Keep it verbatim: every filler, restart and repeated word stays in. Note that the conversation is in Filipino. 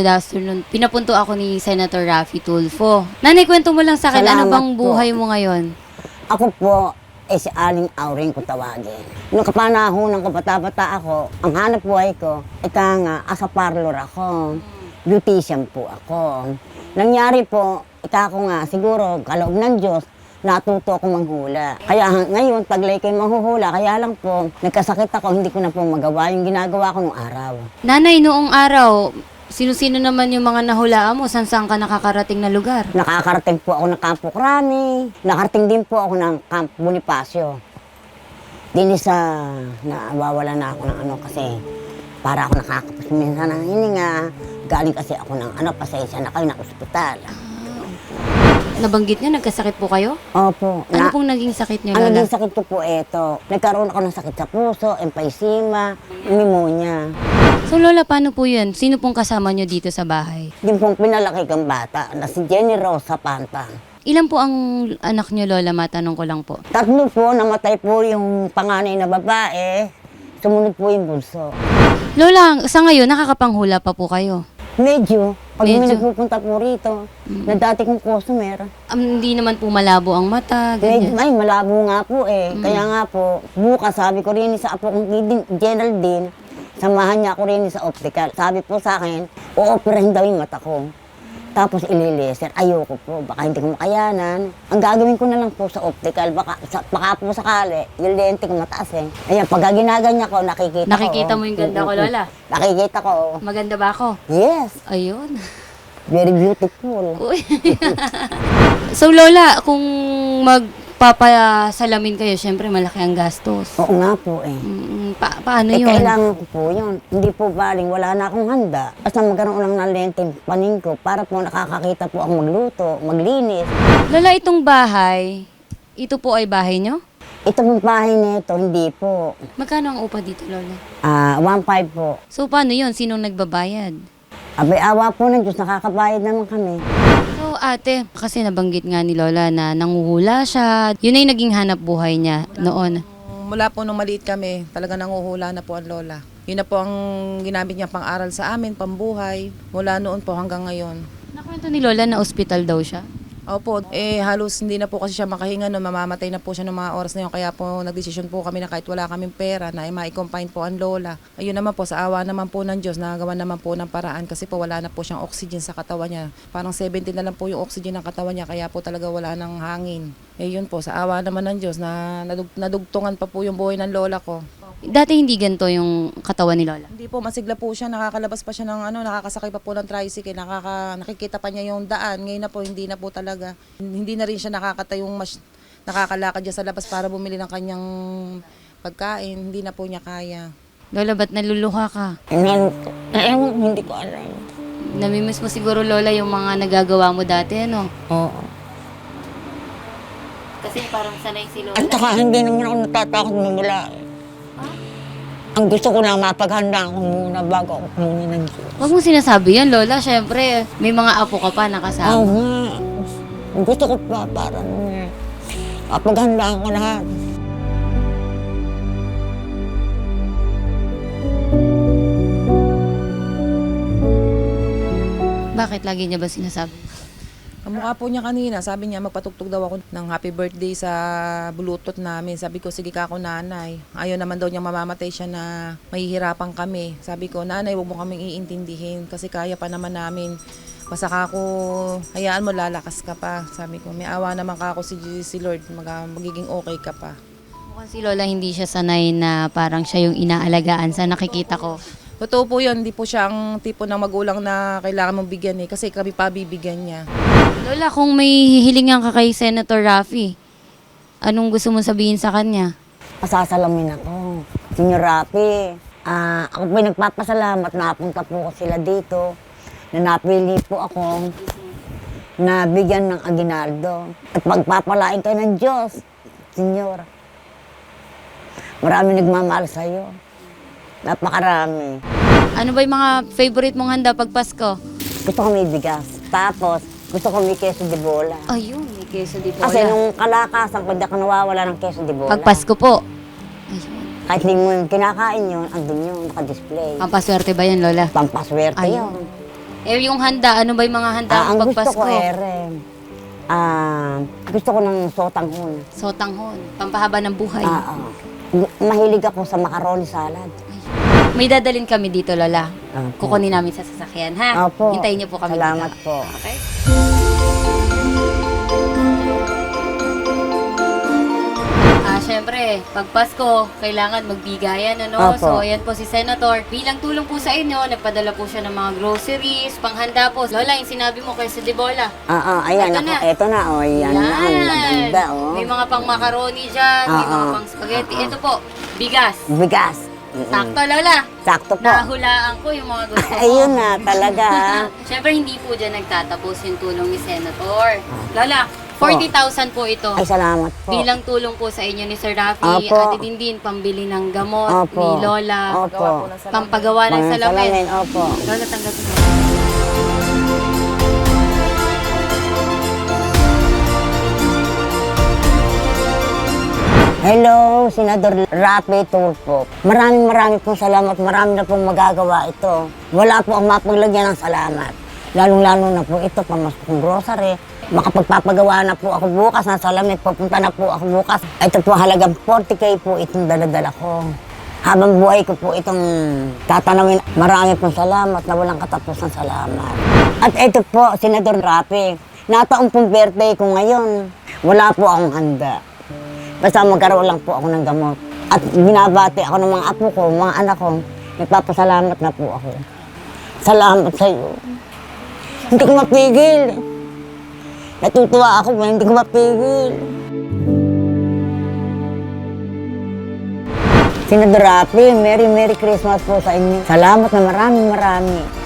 good afternoon. Pinapunto ako ni Senator Raffy Tulfo. Nanay, kwento mo lang sa akin, ano Salamat bang po. buhay mo ngayon? Ako po, eh si Aling Auring ko tawagin. Nung kapanahonan ko, bata-bata ako, ang hanap buhay ko, ika nga, asa parlor ako. Beautician po ako. Nangyari po, ika ko nga, siguro, kaloob ng Diyos, natuto ako manghula. Kaya hang- ngayon, taglay kayo manghuhula, kaya lang po, nagkasakit ako, hindi ko na po magawa yung ginagawa ko nung araw. Nanay, noong araw, sino-sino naman yung mga nahulaan mo? San-saan ka nakakarating na lugar? Nakakarating po ako ng Campo Crani. Nakarating din po ako ng Camp Bonifacio. Dini sa nawawala na ako ng ano kasi para ako nakakapos minsan ng hininga. Galing kasi ako ng ano, pasensya na kayo ng ospital. Nabanggit niyo, nagkasakit po kayo? Opo. Ano Na, pong naging sakit niyo, ang Lola? naging sakit ko po eto. Nagkaroon ako ng sakit sa puso, emphysema, pneumonia. So Lola, paano po yun? Sino pong kasama niyo dito sa bahay? Yung pong pinalaki kang bata na si Jenny Rosa Pantang. Ilan po ang anak niyo, Lola? Matanong ko lang po. Tatlo po, namatay po yung panganay na babae. Sumunod po yung bunso. Lola, sa ngayon, nakakapanghula pa po kayo? Medyo, pag may Medyo. nagpupunta po rito, na dati kong customer, Um, hindi naman po malabo ang mata, medyo, ganyan. ay, malabo nga po eh. Kaya nga po, bukas sabi ko rin sa apo kong Gidin- Geraldine, samahan niya ako rin sa optical. Sabi po sa akin, o-operahin daw yung mata ko. Tapos ililaser. Ayoko po, baka hindi ko makayanan. Ang gagawin ko na lang po sa optical, baka, sa, baka po sakali, yung lente ko mataas eh. Ayan, pag ginaganyan ko, nakikita, Nakikita ko. mo yung ganda ko, Mm, mm, Lola? mm. Nakikita ko. Maganda ba ako? Yes, Ayun. very beautiful. Uy. So Lola, kung magpapasalamin kayo, syempre malaki ang gastos. Oo nga po eh. Mm, pa- paano Eh, yun? kailangan ko po yun. Hindi po baling, wala na akong handa. Basta magkaroon lang ng lente yung paning ko para po nakakakita po ako magluto, maglinis. Lola, itong bahay, ito po ay bahay nyo? Ito pong bahay nito, hindi po. Magkano ang upa dito, Lola? Ah, one five po. So paano yun? Sinong nagbabayad? Abay, awa po ng Diyos, nakakabayad naman kami. So ate, kasi nabanggit nga ni Lola na nanguhula siya. Yun ay naging hanap buhay niya noon. Mula po nung maliit kami, talaga nanguhula na po ang lola. Yun na po ang ginamit niya pang-aral sa amin, pambuhay, mula noon po hanggang ngayon. Nakwento ni Lola na ospital daw siya. Opo, eh halos hindi na po kasi siya makahinga no, mamamatay na po siya ng mga oras na yun. Kaya po nagdesisyon po kami na kahit wala kaming pera na eh, ma-confine po ang lola. Ayun naman po, sa awa naman po ng Diyos, nagawa naman po ng paraan kasi po wala na po siyang oxygen sa katawan niya. Parang seventy na lang po yung oxygen ng katawan niya, kaya po talaga wala ng hangin. Eh yun po, sa awa naman ng Diyos na nadug- nadugtungan pa po yung buhay ng lola ko. Dati hindi ganito yung katawan ni Lola. Hindi po, masigla po siya, nakakalabas pa siya ng ano, nakakasakay pa po ng tricycle, nakaka, nakikita pa niya yung daan. Ngayon na po, hindi na po talaga. Hindi na rin siya nakakatayong mas, nakakalakad niya sa labas para bumili ng kanyang pagkain. Hindi na po niya kaya. Lola, ba't naluluha ka? Meron po. Eh, hindi ko alam. Namimiss mo siguro, Lola, yung mga nagagawa mo dati, ano? Oo. Kasi parang sanay si At saka hindi naman ako natatakot mamula. Ang gusto ko lang mapaghanda ko muna bago ako pumunta ng Diyos. Huwag mong sinasabi yan, Lola. Siyempre, may mga apo ka pa Oo nakasama. nga. Ang gusto ko pa para nung mapaghandaan ko lahat. Bakit lagi niya ba sinasabi? Ang mukha po niya kanina, sabi niya magpatugtog daw ako ng happy birthday sa bluetooth namin. Sabi ko, sige ka ako nanay. Ayaw naman daw niya mamamatay siya na mahihirapan kami. Sabi ko, nanay, huwag mo kaming iintindihin kasi kaya pa naman namin. Basta ka ako, hayaan mo, lalakas ka pa. Sabi ko, may awa naman ka ako si, si Lord, mag, magiging okay ka pa. Mukhang si Lola hindi siya sanay na parang siya yung inaalagaan sa nakikita ko. Totoo po yun, hindi po siya ang tipo ng magulang na kailangan mong bigyan eh, kasi kami pa bibigyan niya. Lola, kung may hihilingan ka kay Senator Raffy, anong gusto mong sabihin sa kanya? Pasasalamin ako. Senyor Rapi, ah, ako po'y nagpapasalamat na napunta po ko sila dito. Na napili po ako na bigyan ng aginaldo. At pagpapalain kayo ng Diyos, Senyor. Marami nagmamahal sa'yo. Napakarami. Ano ba yung mga favorite mong handa pag Pasko? Gusto ko may bigas. Tapos, gusto ko may queso de bola. Ayun, may queso di bola. Kasi nung kalakasan ko, hindi ako nawawala ng queso de bola. Pag Pasko po. Ayun. Kahit hindi mo yung kinakain yun, andun yun, nakadisplay. Pampaswerte ba yan, Lola? Pampaswerte Ayun. yun. Eh, yung handa, ano ba yung mga handa Ah, ng ang gusto pagpasko? ko, ere, ah, gusto ko ng sotanghon. Sotanghon, pampahaba ng buhay. Ah, ah. Mahilig ako sa macaroni salad. May dadalhin kami dito, Lola. Opo. Kukunin namin sa sasakyan, ha? Opo. Hintayin niyo po kami Salamat dito. po. Okay? Ah, syempre, pag Pasko, kailangan magbigayan, ano? Opo. So, ayan po si Senator. Bilang tulong po sa inyo, nagpadala po siya ng mga groceries, panghanda po. Lola, yung sinabi mo kay sa Debola. Ah, ah, ayan Ito ako. na. Ito na, oh, yan, na. Ang ganda, oh. May mga pang macaroni dyan, may Oo. mga pang spaghetti. Ito po, bigas. Bigas. Mm-mm. Sakto, Lola. Sakto po. Nahulaan ko yung mga gusto ko. Ayun na, talaga. Siyempre, hindi po dyan nagtatapos yung tulong ni Senator. Lola, forty thousand po ito. Ay, salamat po. Bilang tulong po sa inyo ni Sir Rafi, Opo. Ate Dindin, pambili ng gamot Opo. ni Lola, Opo. Gawa po ng salamin. pampagawa ng Mga salamin. Opo. Lola, tanggapin mo. Hello, Senador Rapi Tulfo. Maraming maraming pong salamat. Marami na pong magagawa ito. Wala po ang mapaglagyan ng salamat. Lalong-lalo na po ito, pamasok ng grocery. Makapagpapagawa na po ako bukas ng salamin. Pupunta na po ako bukas. Ito po halagang forty K po itong daladala ko. Habang buhay ko po itong tatanawin. Marami pong salamat na walang katapusan salamat. At ito po, Senador Rapi. Nataong pong birthday ko ngayon. Wala po akong handa. Basta magkaroon lang po ako ng gamot. At binabati ako ng mga apo ko, mga anak ko. Nagpapasalamat na po ako. Salamat sa iyo. Hindi ko mapigil. Natutuwa ako, hindi ko mapigil. Senador Rapi, Merry Merry Christmas po sa inyo. Salamat na maraming marami.